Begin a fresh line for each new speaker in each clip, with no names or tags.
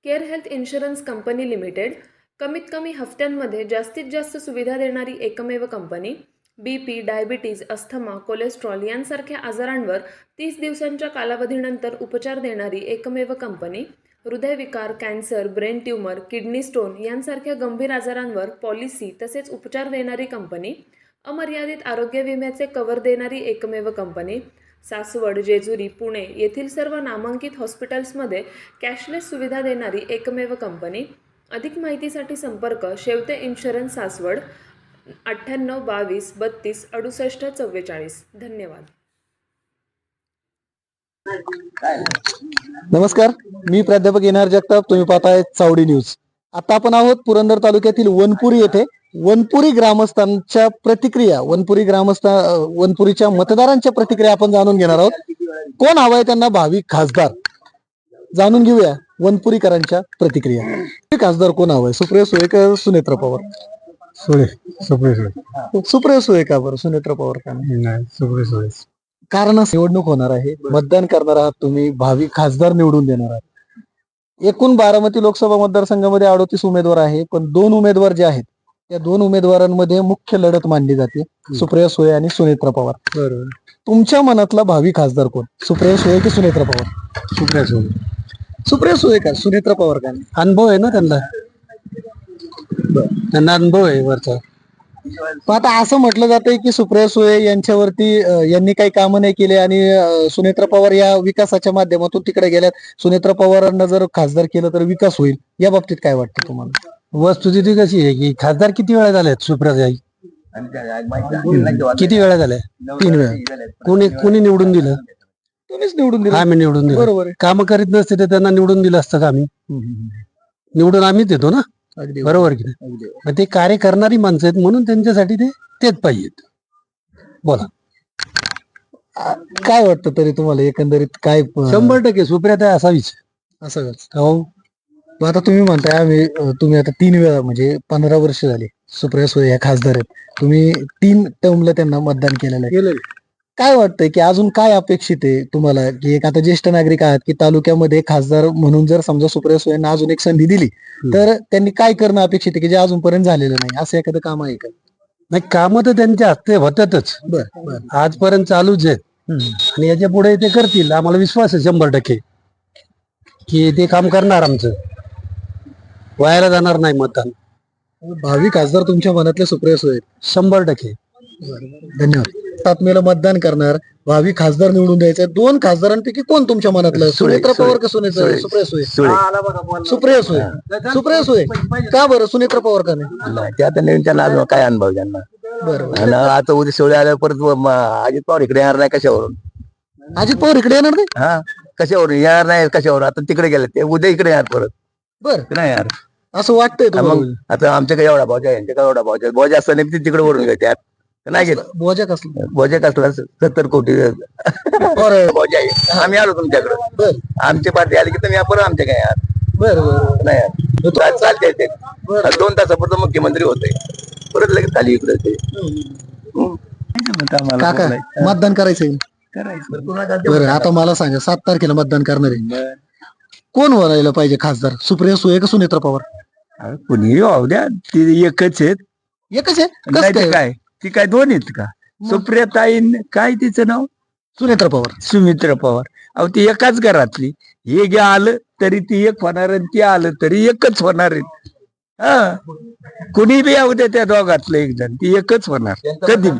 Care health insurance company limited कमीत कमी हफ्त्यांमध्ये जास्तीत जास्त सुविधा देणारी एकमेव company. BP, diabetes, asthma, cholesterol यांसारख्या आजारांवर 30 दिवसांच्या कालावधीनंतर उपचार देणारी एकमेव कंपनी. हृदयविकार, cancer, brain tumour, kidney stone यांसारख्या गंभीर आजारांवर पॉलिसी तसेच उपचार देणारी कंपनी. अमर्यादित आरोग्य विम्याचे कव्हर देणारी एकमेव कंपनी. सासवड, जेजुरी, पुणे येथील सर्व नामांकित हॉस्पिटल्समध्ये कॅशलेस सुविधा देणारी एकमेव कंपनी. अधिक माहितीसाठी संपर्क शेवते इन्शुरन्स, सासवड, 9822326844. धन्यवाद.
नमस्कार, मी प्राध्यापक एन.आर. जगताप. तुम्ही पाहताय चावडी न्यूज. आता आपण आहोत पुरंदर तालुक्यातील वनपुरी येथे. वनपुरी ग्रामस्थांच्या प्रतिक्रिया, वनपुरीच्या मतदारांच्या प्रतिक्रिया आपण जाणून घेणार आहोत. कोण हवाय त्यांना भावी खासदार, जाणून घेऊया वनपुरीकरांच्या प्रतिक्रिया. खासदार कोण हवाय, सुप्रिया सुळे का सुनेत्र पवार? सुप्रिया सुळे का बरं, सुनेत्र पवार का नाही?
सुप्रिया सुळे.
कारण निवडणूक होणार आहे, मतदान करणार आहात तुम्ही, भावी खासदार निवडून देणार आहात. एकूण बारामती लोकसभा मतदारसंघामध्ये 38 उमेदवार आहे, पण 2 उमेदवार जे आहेत त्या 2 उमेदवारांमध्ये मुख्य लढत मानली जाते, सुप्रिया सुळे आणि सुनेत्र पवार.
बरोबर.
तुमच्या मनातला भावी खासदार कोण, सुप्रिया सुळे की सुनेत्र पवार?
सुप्रिया सुळे.
सुप्रिया सुळे का, सुनेत्र पवार का?
अनुभव आहे ना त्यांना अनुभव आहे वरचा.
पण आता असं म्हटलं जातंय की सुप्रिया सुळे यांच्यावरती यांनी काही कामं नाही केले आणि सुनेत्र पवार या विकासाच्या माध्यमातून तिकडे गेल्यात. सुनेत्र पवारांना जर खासदार केलं तर विकास होईल, या बाबतीत काय वाटतं तुम्हाला?
वस्तुस्थिती कशी आहे की खासदार किती वेळा झाल्यात सुप्रियाताई? किती वेळा झाल्या? 3 वेळा. कोणी निवडून दिलं?
तुम्हीच निवडून दिलं.
आम्ही निवडून दिलं.
बरोबर आहे.
काम करीत नसते तर त्यांना निवडून दिलं असतं का आम्ही? निवडून आम्हीच देतो ना,
अगदी
बरोबर की नाही? मग ते कार्य करणारी माणसं आहेत म्हणून त्यांच्यासाठी तेच पाहिजेत. बोला.
काय वाटतं तरी तुम्हाला एकंदरीत काय?
100% सुप्रियाताई असावीच.
असं
हो.
मग आता तुम्ही म्हणताय तुम्ही आता 3 वेळा म्हणजे 15 वर्ष झाली सुप्रिया सुळे ह्या खासदार आहेत, तुम्ही 3 टर्मला त्यांना मतदान केलेलं आहे. काय वाटतंय की अजून काय अपेक्षित आहे तुम्हाला, की एक आता ज्येष्ठ नागरिक आहात की तालुक्यामध्ये खासदार म्हणून जर समजा सुप्रिया सुळेंना अजून एक संधी दिली तर त्यांनी काय करणं अपेक्षित आहे की जे अजूनपर्यंत झालेलं नाही, असं एखादं काम आहे का?
नाही, काम तर त्यांच्या हस्ते होतातच, आजपर्यंत चालूच आहेत आणि याच्या पुढे ते करतील. आम्हाला विश्वास आहे 100% की ते काम करणार, आमचं व्हायला जाणार नाही मतदान.
भावी खासदार तुमच्या मनातले सुप्रिया सुळे आहेत?
100%.
धन्यवाद. तात्मेला मतदान करणार, भावी खासदार निवडून द्यायचं. 2 खासदारांपैकी कोण तुमच्या मनातलं, सुनेत्र पवार का सुप्रिया सुळे? सुप्रिया सुळे. सुप्रिया सुळे का बरं, सुनेत्र पवार का नाही?
ते आता नवीन त्यांना अजून काय अनुभव त्यांना.
बरोबर.
आणि आता उद्या सोळे आल्यावर परत अजित पवार इकडे येणार नाही, कशावरून?
अजित पवार इकडे येणार नाही?
हा, कशावरून येणार नाही, कशावर? आता तिकडे गेले ते, उद्या इकडे येणार परत.
बरं,
नाही यार,
असं वाटतंय
मग
तुम्हाला?
आता आमच्याकडे एवढा भावजा, यांच्याकडे एवढा भावजा, भावजा असताना ते तिकडे वरून घेतात, नाही घेत.
बोजा कसलं?
भावजा कसला 70 कोटी भावजा आहे. आम्ही आलो तुमच्याकडे, आमची पार्टी आली की तुम्ही परत आमच्या काय यार.
बरं.
नाही यार, चालते ते 2 तासापुरतं मुख्यमंत्री होते, परत लगेच खाली इकडे ते.
काका, मतदान करायचंय? बरं, आता मला सांगा, 7 तारखेला मतदान करणार आहे, कोण व्हायला पाहिजे खासदार, सुप्रिया सुळे का सुनेत्र पवार?
कुणी वाहू द्या, ती एकच आहेत.
एकच आहे?
नाही
कसं
ते
काय?
काय, ती काय 2 आहेत का? सुप्रियाताई काय तिचं नाव,
सुनेत्र पवार.
सुमित्रा पवार. अहो ती एकाच घरातली, हे गे आलं तरी ती एक होणार आणि ती आलं तरी एकच होणार आहेत. हा, कुणी बी येऊ द्या त्या दोघातलं एक जण, ती एकच होणार कधी.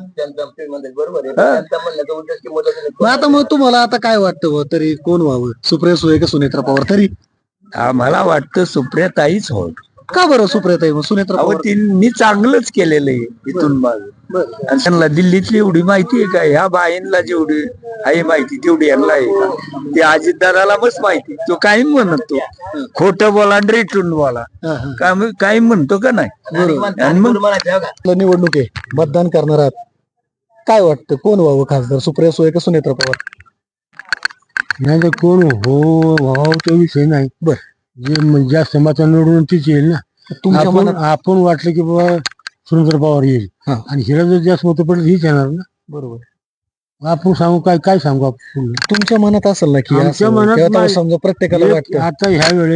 आता मग तुम्हाला आता काय वाटतं बुवा, तरी कोण व्हावं, सुप्रिया सुळे का सुनेत्र पवार? तरी
आम्हाला वाटतं सुप्रियाताईच हो.
का बरं सुप्रियाताई, मग सुनेत्र
अहो
पवार?
तिने चांगलंच केलेलं आहे इथून माग. आणि त्यांना दिल्लीतली एवढी माहिती आहे का, ह्या बाईंना जेवढी आहे माहिती तेवढी यांना आहे का? ते अजितदादाला बस माहिती, तो काही म्हणतो खोटं बोला आणि रेटून बोला, काही म्हणतो का नाही. आणि मग
निवडणूक आहे, मतदान करणार आहात, काय वाटतं कोण व्हावं खासदार, सुप्रिया सुळे का सुनेत्र पवार?
नाही तर कोण हो तो विषय नाही.
बरं,
जे जास्त मतं निवडून तीच येईल ना.
तुमच्या मनात?
आपण वाटलं की बाबा सुरेंद्र पवार येईल आणि हिला जर जास्त मतं पडलं हीच येणार ना.
बरोबर.
आपण सांगू काय सांगू आपण?
तुमच्या मनात असेल ना की
आमच्या
असं,
मनात
किंवा
नाही.
समजा प्रत्येकाला वाटतं
आता ह्या वेळेस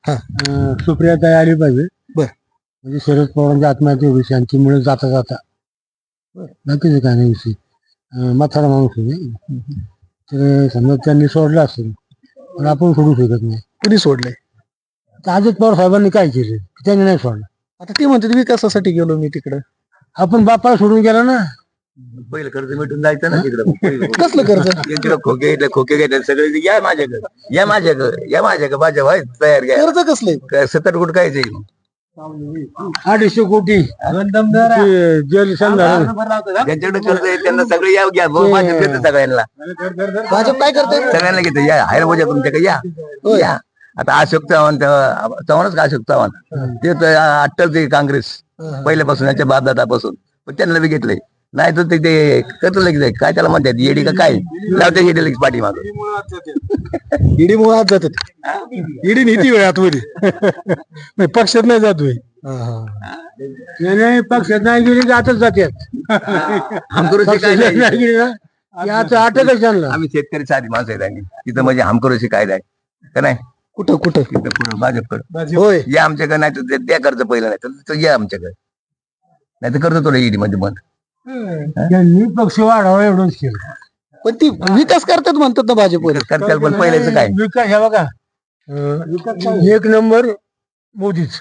सुप्रियाताई आली पाहिजे.
बर.
म्हणजे शरद पवारांच्या आत्महत्या विषय यांच्यामुळे जाता जाता बाकीचं काय नाही विषय. म्हातारा माणूस आहे तर समजा त्यांनी सोडलं असेल पण आपण सोडू शकत नाही.
कुणी सोडलंय?
तर अजित पवार साहेबांनी काय केलं त्यांनी नाही सोडलं.
आता ते म्हणतात विकासासाठी गेलो मी तिकडं.
आपण बापाला सोडून गेला ना.
पहिलं कर्ज मिटून जायचं ना तिकडं.
कसलं कर्ज?
इकडं खोके घेतले सगळे या माझ्याकडे या माझ्याकडे माझ्या व्हाय तयार घ्या.
कर्ज कसलंय?
70 कोटी काय जाईल
250 कोटी जेल
ज्यांच्याकडे कर्ज आहे त्यांना सगळे या घ्या भाजप घेतं सगळ्यांना.
भाजप काय करते?
सगळ्यांना घेतं या हायर बोजा तुमच्याकडे या. आता अशोक चव्हाणच का अशोक चव्हाण ते तर अट्टल ते काँग्रेस पहिल्यापासून याच्या बापदादापासून पण त्यांना बी घेतलंय. नाही तर ते करतो लगेच काय त्याला म्हणतात येडी का काय लावते येडी लगेच पाठी माग
ईडी मुळे आत जातात. ईडी नीती वेळ आतमध्ये पक्षात नाही जात होय.
नाही पक्षात नाही गेली की आताच जातात.
हमकरोशी काय
नाही
नाही.
गेली ना आता अटकच आणला.
आम्ही शेतकरी साधी माणसं आहेत आणि तिथं म्हणजे हमकरोशी कायदा आहे का नाही
कुठं कुठं?
तिथं पुढं भाजपकडे
होय.
या आमच्याकडे नाही तर त्या कर्ज पहिलं नाही तर या आमच्याकडे नाही तर करतो तुला ईडी मध्ये बंद.
त्यांनी पक्ष वाढावा एवढंच केलं.
पण ती विकास करतात म्हणतात ना भाजपवर.
करताल पण पहिल्याचं काय
विकास हे बघा एक नंबर मोदीच.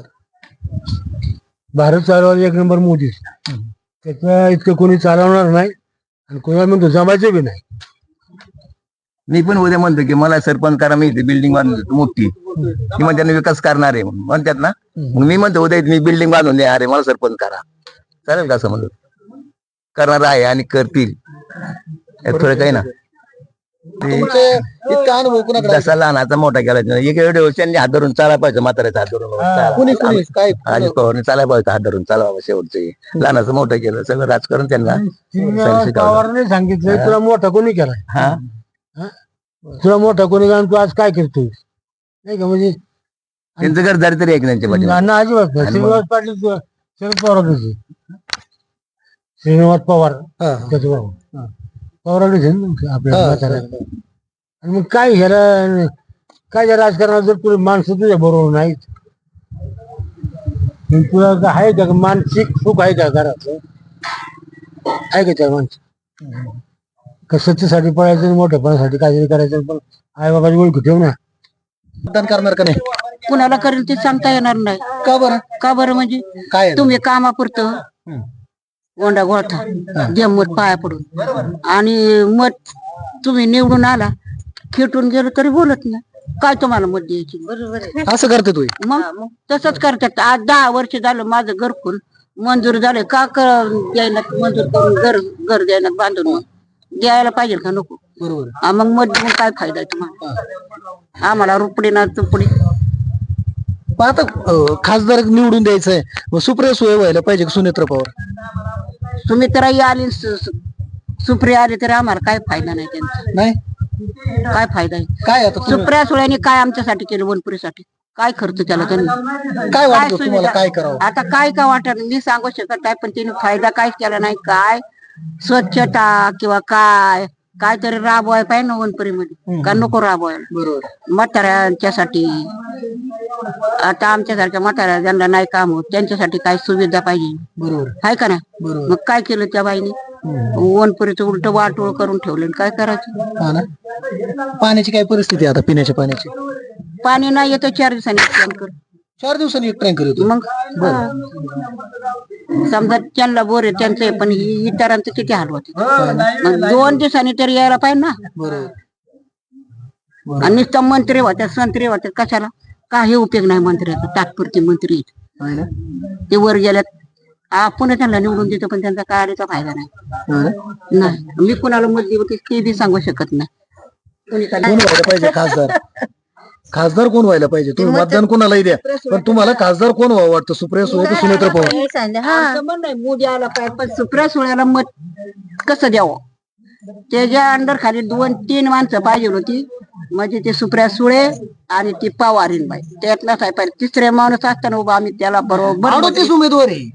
भारत चालवायला एक नंबर मोदीच. त्याच्या इतकं कोणी चालवणार नाही आणि कोणाला म्हणतो जमायचं बी नाही.
मी पण उद्या म्हणतो की मला सरपंच करा मी इथे बिल्डिंग बांधून मोठी की मग त्यांना विकास करणार आहे म्हणतात ना मग मी म्हणतो उद्या मी बिल्डिंग बांधून देणार आहे मला सरपंच करा चालेल का असं म्हणतो करणार आहे आणि करतील थोडं काही ना
इतका अनुभव कुणाकडे आहे?
जसा लहानाचा मोठा केला एक एवढे त्यांनी हात धरून चालायला पाहिजे म्हाताऱ्याचा हात
कुणी
धरून
कुणी काय
अजित पवारने चालायला पाहिजे हात धरून चालावं शेवटचे लहानाचं मोठं केलं सगळं राजकारण त्यांना शिकवलं.
पवारने सांगितलं तुला मोठा कोणी केलाय
हा
तुला मोठा कोणी कारण तू आज काय करतोय नाही का म्हणजे
त्यांचं घरदारी तरी ऐकण्याच्या पाहिजे
अण्णा अजिबात नाही. श्रीनिवास पाटील शरद पवारांकडे श्रीनिवास पवार
हा.
त्याचं भाऊ पवारांकडेच आहे ना आपल्या
हा.
म्हाताऱ्याकडे. आणि मग काय ह्याला काय या राजकारणात जर तुला माणसं तुझ्या बरोबर नाहीत मग तुला आहे का मानसिक सुख आहे का घरात आहे का त्या माणसं का सत्तेसाठी पळायचं आणि मोठेपणासाठी काहीतरी करायचं पण आई बाबाची ओळख ठेव ना.
मतदान करणार का नाही?
कुणाला करेल ते सांगता येणार नाही.
का बरं?
का बरं म्हणजे
काय आहे?
तुम्ही कामापुरतं गोंडा गोळता द्या मत पाया पडून आणि मत तुम्ही निवडून आला खेटून गेलो तरी बोलत नाही काय तुम्हाला मत द्यायची बरोबर
असं करते तू?
मग तसंच करतात. आज 10 वर्ष झालं माझं घरकुल मंजूर झालं का द्यायला मंजूर करून घर द्यायला बांधून मग द्यायला पाहिजे का नको
बरोबर.
मग मत देऊन काय फायदा आहे तुम्हाला आम्हाला रुपडी ना तुपडी.
पण आता खासदार निवडून द्यायचंय मग सुप्रिया सुळे व्हायला पाहिजे का सुनेत्र पवार?
तुम्ही तर आली सुप्रिया आली तरी आम्हाला काय फायदा नाही त्यांचा.
नाही
काय फायदा आहे
काय आता तुम्ही-
सुप्रिया सुळ्याने काय आमच्यासाठी केलं वनपुरीसाठी काय खर्च केला त्यांनी
काय वाटतं
सुविधा?
तुम्हाला काय करावं?
आता काय का वाटत मी सांगू शकत नाही पण त्यांनी फायदा काहीच केला नाही. काय स्वच्छता किंवा काय तरी राबवाय पाहिजे ना वनपुरीमध्ये का नको राबवायला
बरोबर.
म्हाताऱ्यांच्यासाठी. आता आमच्यासारख्या म्हाताऱ्या ज्यांना नाही काम होत त्यांच्यासाठी काय सुविधा पाहिजे
बरोबर.
आहे का नाही.
बरोबर.
मग काय केलं त्या बाईने वनपुरीचं उलट वाटोळ करून ठेवलं आणि काय करायचं.
हा ना. पाण्याची काय परिस्थिती आहे आता पिण्याच्या पाण्याची?
पाणी नाही येतं 4 दिवसांनी टँकर
4 दिवसांनी एक टँकर येतो.
मग समजा त्यांना बोर आहे त्यांचं आहे, पण इतरांचं किती हाल होते. मग 2 दिवसांनी तरी यायला पाहिजे ना.
बरोबर.
आणि नुसतं मंत्री होत्या संत्री होत्या कशाला काही उपयोग नाही मंत्र्याचा तात्पुरते मंत्री आहेत.
आहे ना?
ते वर गेल्यात आपण त्यांना निवडून देतो पण त्यांचा काय आलेचा फायदा नाही.
हा ना?
नाही मी कुणाला मत देऊ ते बी सांगू शकत नाही. कोणी काय-
कोण व्हायला पाहिजे खासदार? खासदार कोण व्हायला पाहिजे? तुम्ही मतदान कोणालाही द्या पण तुम्हाला खासदार कोण व्हावं वाटतं? सुप्रिया सुळे की सुनेत्र पवार?
आमचं म्हणणं आहे, मोदी आला पाहिजे पण सुप्रिया सुळ्याला मत कसं द्यावं त्याच्या अंडर खाली 2-3 माणसं पाहिजे होती म्हणजे ते सुप्रिया सुळे आणि ती पवारीनबाई त्यातला काय पाहिजे. तिसरे माणूस असताना उभा आम्ही त्याला बरोबर
38 उमेदवार आहे.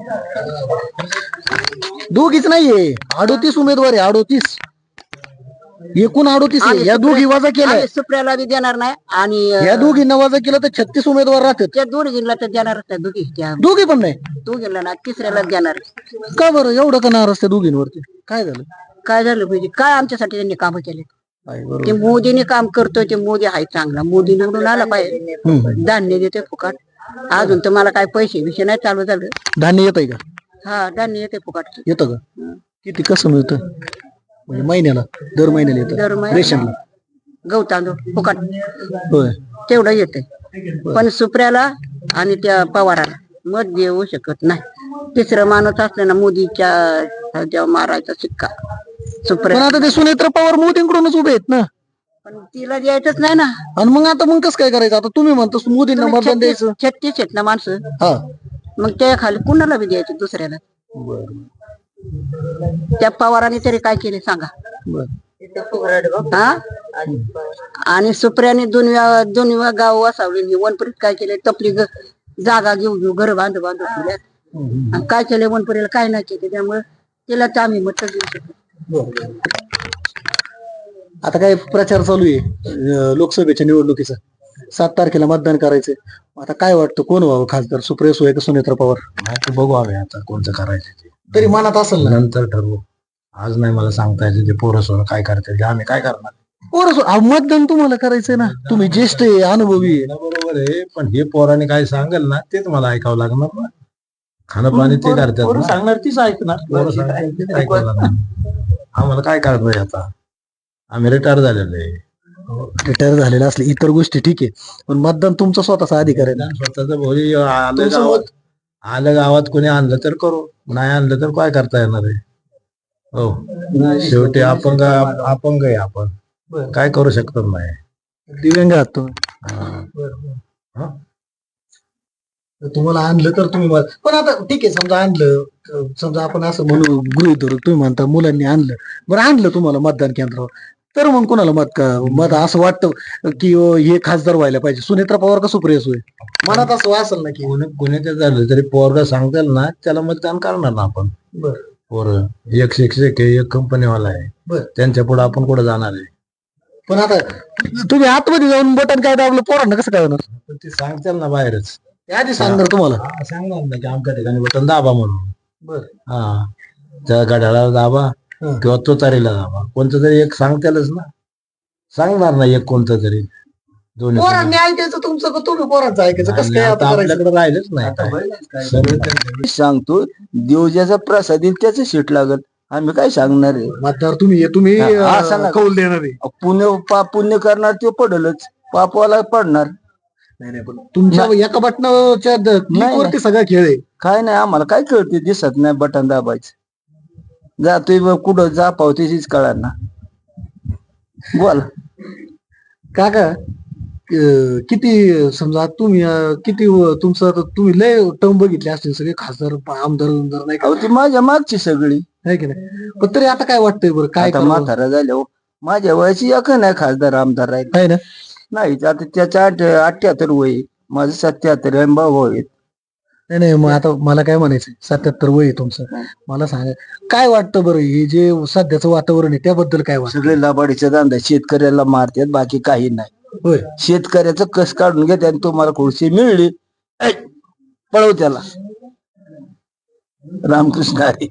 दोघीच नाहीये 38 उमेदवार आहे 38. एकूण 38 आहे.
आम्ही
या दोघी
सुप्रिया-
वजा केल्या
आम्ही सुप्रियाला बी देणार नाही आणि
या दोघींना वजा केलं तर 36 उमेदवार राहतात.
त्या दोघींना तर देणारच नाही.
दोघी पण नाही.
दोघींना ना तिसऱ्याला देणार.
का बरं एवढं का नाराज त्या दोघींवरती? काय झालं?
काय झालं पाहिजे? काय आमच्यासाठी त्यांनी कामं केले?
काय बरोबर.
ते मोदीने काम करतोय, ते मोदी आहे चांगला. मोदी निवडून आला पाहिजे. धान्य देते फुकट. अजून तर मला काय पैसे विषय नाही चालू झालं.
धान्य येतंय का?
हा, धान्य येते फुकट.
येतं का? किती कसं मिळतं? म्हणजे महिन्याला दर महिन्याला
दर
येतं
महिन्याला.
रेशनला?
गहू तांदूळ फुकट
होय.
तेवढं येते. पण सुप्रियाला आणि त्या पवाराला मत देऊ शकत नाही. तिसरं माणूस असलं ना मोदीच्या ह्याच्यावर मारायचा शिक्का
पण
सुप्रिया.
आता ते सुनेत्र पवार मोदींकडूनच उभे आहेत ना.
पण तिला द्यायचंच नाही ना.
आणि मग कसं काय करायचं? आता तुम्ही म्हणता मोदींना मतदान द्यायचं.
36 आहेत ना माणसं.
हा.
मग त्या खाली कुणाला बी द्यायचं दुसऱ्याला. त्या पवाराने तरी काय केले सांगा. हा. आणि सुप्रियाने दोन्ही गाव वसावले. वनपुरीत काय केले? तपली जागा घेऊ घर बांधू ठेवल्या. आणि काय केले वनपुरीला? काय नाही केले. त्यामुळे तिला तर आम्ही मत देऊ शकतो.
आता काय प्रचार चालू आहे लोकसभेच्या निवडणुकीचा. 7 तारखेला मतदान करायचंय. आता काय वाटतं कोण व्हावं खासदार? सुप्रिया सुळे का सुनेत्र पवार?
आता बघू आम्ही आता कोणतं करायचं ते
तरी मनात असेल ना.
नंतर ठरवू. आज नाही मला सांगता येते ते पोरं सोरं काय करते आम्ही काय करणार.
मतदान तुम्हाला करायचंय ना. तुम्ही ज्येष्ठ आहे, अनुभवी आहे.
बरोबर आहे पण हे पोराने काय सांगेल ना तेच मला ऐकावं लागणार ना. खाणं पाणी ते करतात ना.
सांगणार तीच ऐकणार.
पोरं सांगतील तेच ऐकावं लागणार. आम्हाला काय करणार आता. आम्ही रिटायर झालेलो आहे.
रिटायर झालेला असले इतर गोष्टी ठीक आहे, पण मतदान तुमचा स्वतःचा अधिकार आहे ना.
स्वतःच भोरी आलं
तुमचं
गावात आलं गावात कोणी आणलं तर करू नाही आणलं तर काय करता येणार आहे. हो शेवटी अपंग आहे आपण काय करू शकतो नाही.
दिव्यांग आहात तुम्ही.
हा.
तर तुम्हाला आणलं तर तुम्ही पण आता ठीक आहे समजा आणलं, समजा आपण असं म्हणू गृहीत धरू तुम्ही म्हणता मुलांनी आणलं, बरं आणलं तुम्हाला मतदान केंद्रावर, तर मग कोणाला मत असं वाटतं की हे खासदार व्हायला पाहिजे सुनेत्रा पवार का सुप्रिया सुळे? मनात असं असेल ना की
कोणी ते झालं तरी पोरगा सांगताल ना त्याला मतदान करणार ना आपण.
बरं
पोरं एक शिक्षक आहे एक कंपनीवाला आहे
बरं.
त्यांच्या पुढे आपण कुठं जाणार आहे.
पण आता तुम्ही आतमध्ये जाऊन बटन काय दाबलं पोरांना कसं काय होणार?
पण ते सांगताल ना बाहेरच.
ते आधी सांगणार तुम्हाला.
हा, सांगणार ना की आमच्या ठिकाणी बटन दाबा म्हणून.
बरं.
हा त्या गाड्याला दाबा
हं.
किंवा तो तारीला दाबा कोणतं तरी एक सांगतालच ना. सांगणार ना एक कोणतं तरी दोन्ही.
पोरांनी ऐकायचं तुमचं का तुम्ही पोरांचं ऐकायचं? कसं काय आता करायचं?
आपल्याकडे राहिलंच नाही काय. सर्व त्यांचं.
सांगतो देव ज्याचा प्रसाद येईल त्याचं सीट लागत. आम्ही काय सांगणार आहे.
मतदार तुम्ही
हा, असं नका.
कौल देणार आहे.
पुण्य करणार ते पडलच पापवाला पडणार.
नाही पण तुमच्या एका बटनाच्या क्लिकवरती सगळा खेळ आहे.
काय नाही आम्हाला काय कळते दिसत नाही बटन दाबायचं. जातोय कुठं जा पावतीच कळणार ना. बोल
काका किती समजा तुम्ही किती तुमचं आता तुम्ही लय टर्म बघितले असतील सगळे खासदार आमदार नाही का?
अहो ती माझ्या मागची सगळी.
आहे की नाही? पण तरी आता काय वाटतंय बरं काय
आता
करावं?
म्हातारा झाल्या माझ्या वयाची एक नाही खासदार आमदार राहील
आहे ना.
नाही. आता त्याच्या 78 वय माझं 77 आहे भाऊ आहेत.
नाही नाही मग आता मला काय म्हणायचं 77 वय आहे तुमचं. मला सांगा काय वाटतं बरं हे जे सध्याचं वातावरण आहे त्याबद्दल काय वाटतं?
सगळे लबाडीचा धंदा शेतकऱ्याला मारतात बाकी काही नाही.
होय.
शेतकऱ्याचं कस काढून घेते आणि तुम्हाला खुर्ची मिळली ऐ, पळव त्याला. रामकृष्ण हरी.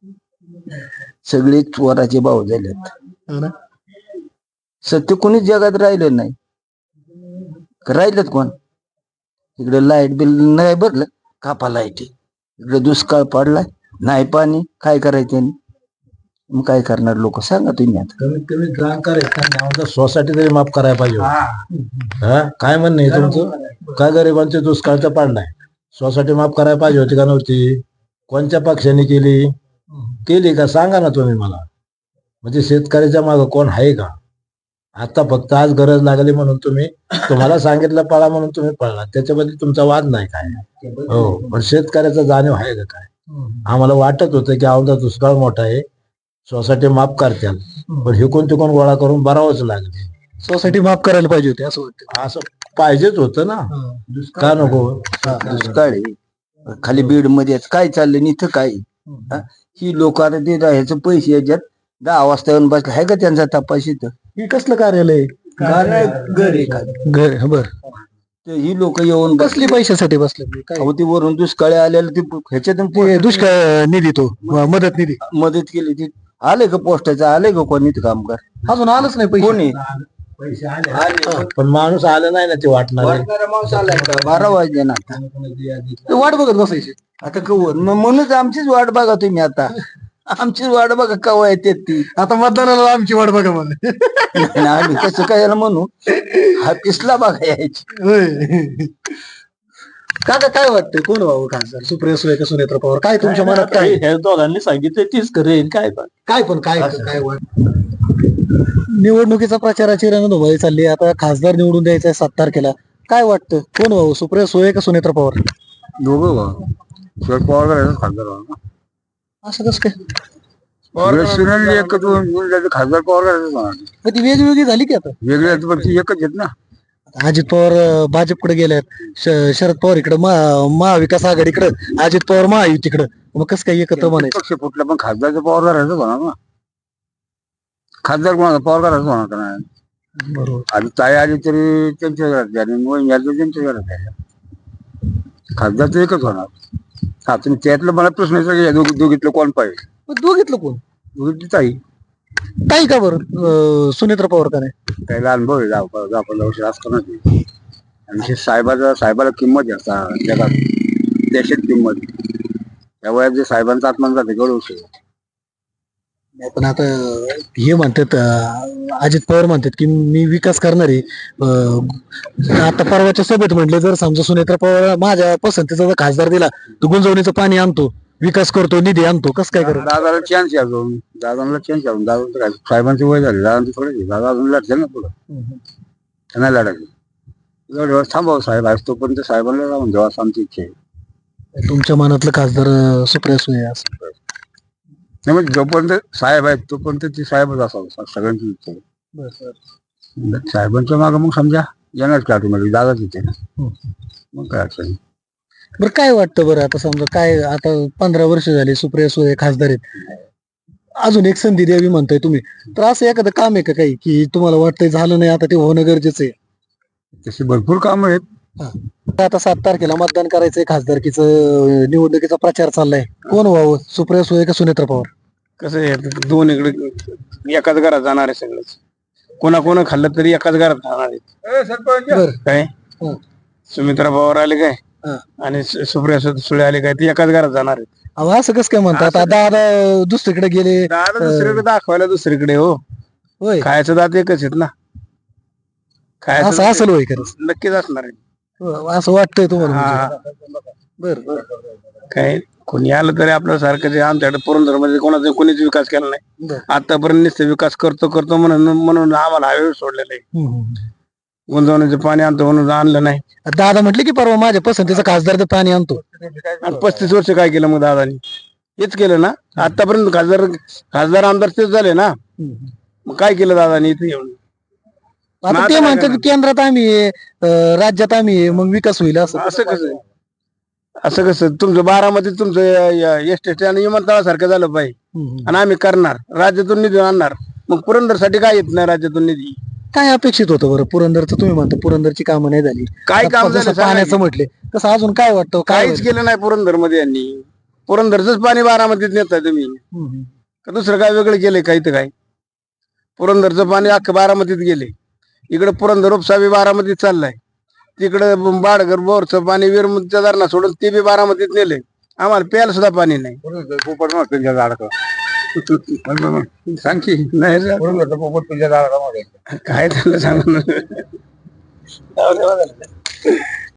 सगळे चोराचे भाऊ झालेत.
हो ना?
सत्य कोणीच जगात राहिलं नाही. राहिलेत कोण? इकडे लाईट बिल नाही भरलं कापा लाईट. इकडे दुष्काळ पडलाय नाही पाणी काय करायचं? मग काय करणार लोक सांगा तुम्ही आता.
कमीत कमी जाणकार आहेत सोसायटी तरी माफ करायला पाहिजे. हा काय म्हणणं आहे तुमचं? काय गरिबांचे दुष्काळचा पाडलाय सोसायटी माफ करायला पाहिजे होती का नव्हती? कोणत्या पक्षाने केली का सांगा ना तुम्ही मला. म्हणजे शेतकऱ्याच्या मागं कोण आहे का? आता फक्त आज गरज लागली म्हणून तुम्हाला सांगितलं पळा म्हणून तुम्ही पळला त्याच्याबद्दल तुमचा वाद नाही काय. हो पण शेतकऱ्याचा जाणीव आहे का काय? आम्हाला वाटत होतं की आमचा दुष्काळ मोठा आहे सोसायटी माफ करत्याल पण हिकून तिकून गोळा करून भरावंच लागले.
सोसायटी माफ करायला पाहिजे होती असं वाटतं.
असं पाहिजेच होतं ना. का नको?
दुष्काळ आहे. खाली बीड मध्ये काय चाललंय आणि इथं काय? हा? ही लोक आता ते ह्याचे पैसे याच्यात 10 वाजता येऊन बसला आहे का त्यांचा तपास इथं?
हे कसलं कार्यालय
घर आहे का?
घर बर
ते ही लोक येऊन
कसली पैशासाठी बसले काय
अहो, ती वरून दुष्काळी आलेलं ते ह्याच्यातून
ते दुष्काळ निधी तो मदत निधी
मदत केली ती. आले का पोस्टाचं, आले का कोणी ते कामगार?
अजून आलंच नाही पैसे
कोणी
पण माणूस आला नाही ना ते वाटणार
वाटणारा माणूस आलाय का? 12 वाजले ना आता.
ते वाट बघत बसायची
आता कवर म्हणूनच आमचीच वाट बघा तुम्ही आता. आमचीच वाट बघा कवा येते ती.
आता मतदानाला आमची वाट बघा मला
नाही, आम्ही कसं काय याला म्हणू, हा पिसला बघा यायची.
होय. काका काय वाटतंय कोण व्हावं खासदार, सुप्रिया सुळे का सुनेत्र पवार? काय तुमच्या मनात काय
ह्या दोघांनी सांगितलं तीच करेन काय पण
काय वाट निवडणुकीचा प्रचाराची रणधुमाळी चालली आहे. आता खासदार निवडून द्यायचा आहे 7 तारखेला. काय वाटतं कोण व्हावं, सुप्रिया सुळे का सुनेत्र पवार?
दोघं शरद पवार करायचं खासदार.
असं कसं काय?
खासदार पवार करायचं
मग ती वेगवेगळी झाली की आता
वेगळे पण ती एकच आहेत ना.
अजित पवार भाजपकडे गेल्यात, शरद पवार इकडे महाविकास आघाडीकडे, अजित पवार महायुतीकडे. मग कसं काय एकत्र म्हणायचं?
पक्ष फुटला पण खासदारचं पवार करायचं होणार ना. खासदार कोणाचा पवार करायचं होणार का नाही?
बरोबर.
आणि ताई आली तरी त्यांच्या घरात झाली, मोहीम झाली त्यांच्या घरात झाल्या. खासदार तर एकच होणार. हा, तुम्ही त्यातलं मला प्रश्न विचारला, दोघीतलं कोण पाहिजे?
मग दोघीतलं कोण?
दोघीतली ताई.
ताई का बरं सुनेत्र पवार का नाही?
त्याला अनुभव आहे, 10-15 वर्ष असताना ते. आणि साहेबाला किंमत आहे आता जगात, देशात किंमत आहे. त्या वयात जे साहेबांचा आत्मा जाते गळू.
नाही, पण आता हे म्हणतात अजित पवार म्हणतात की मी विकास करणार आहे. आता परवाच्या सभेत म्हटले जर समजा सुनेत्र पवार माझ्या पसंतीचा जर खासदार दिला तर गुंजवणीचं पाणी आणतो, विकास करतो, निधी आणतो. कसं काय करतो?
दादाला चान्स आहे अजून, दादाला चान्स आहे अजून. दादा काय साहेबांची वय झाली, दादांची थोडी. दादा अजून लढते ना पुढं, त्यांना लढायचं. एवढं थांबावं साहेब आज तोपर्यंत साहेबांना जाऊन द्यावा असं आमची इच्छा आहे.
तुमच्या मनातलं खासदार सुप्रिया सुळे आहे असं?
नाही म्हणजे जोपर्यंत साहेब आहेत तोपर्यंत ती साहेबच असावं, सगळ्यांची इच्छा आहे. साहेबांच्या मागं मग समजा येणार की ऑटोमॅटिक दादाच इथे ना, मग काय अडचण नाही.
बरं काय वाटतं बरं, आता समजा काय आता 15 वर्ष झाली सुप्रिया सुळे खासदार आहेत, अजून एक संधी द्यावी म्हणताय तुम्ही, तर असं एखादं काम आहे का काही की तुम्हाला वाटतंय झालं नाही आता ते होणं गरजेचं आहे?
तशी भरपूर कामं आहेत.
आता 7 तारखेला मतदान करायचंय, खासदारकीचं निवडणुकीचा प्रचार चाललाय. कोण व्हावं, सुप्रिया सुळे का सुनेत्र पवार?
कसं आहे दोन इकडे एकाच घरात जाणार आहे सगळंच. कोणा खाल्लं तरी एकाच घरात राहणार आहे.
बरं.
काय
हं.
सुमित्रा पवार आले काय
हं.
आणि सुप्रिया सुळे आले काय, ती एकाच घरात जाणार आहेत.
अहो असं कसं काय म्हणतात? आता दादा दुसरीकडे गेले.
दादा दुसरीकडे दाखवायला दुसरीकडे हो,
होय,
खायचं दात एकच आहेत ना. खायचं
असं असेल होय खरंच?
नक्कीच असणार आहे.
असं वाटतंय तुम्हाला
हा.
म्हणजे? बरं.
काय कोणी आलं तरी आपल्या सारखं जे आमच्याकडे पुरंदरमध्ये कोणाचा कोणीच विकास केला नाही
बरं.
आतापर्यंत. नुसते विकास करतो म्हणून आम्हाला हायवे सोडलेला आहे. गुंजवण्याचं पाणी आणतो म्हणून आणलं नाही.
दादा म्हटले की परवा माझ्या पसंतीचा खासदार ते पाणी आणतो.
आणि 35 वर्ष काय केलं मग दादानी? हेच केलं ना आतापर्यंत. खासदार आमदार तेच झाले ना. मग काय केलं दादानी इथे येऊन?
आता ते म्हणतात की केंद्रात आम्ही आहे, राज्यात आम्ही आहे, मग विकास होईल असं.
असं कसं तुमचं बारामती तुमचं एसटी आणि विमानतळासारखं झालं पाहिजे आणि आम्ही करणार, राज्यातून निधी आणणार. मग पुरंदरसाठी काय येत नाही राज्यातून निधी?
काय अपेक्षित होतं बरं पुरंदरचं? तुम्ही म्हणता पुरंदरची कामं नाही झाली,
काय काम
जसं
झालं
पाण्याचं म्हटले तसं अजून काय वाटतं?
काहीच केलं नाही पुरंदर मध्ये यांनी. पुरंदरच पाणी बारामतीत नेताय तुम्ही का दुसरं काय वेगळं केलंय? काही तर काय पुरंदरचं पाणी अख्खं बारामतीत गेले. इकडे पुरंदर उपसा बी बारामतीत चाललाय. तिकडे बाडगर बोरचं पाणी वीरमुद्च्या धरणा सोडून ते बी बारामतीत नेले. आम्हाला प्यायला सुद्धा पाणी नाही. सांग की नाही काय झालं सांग.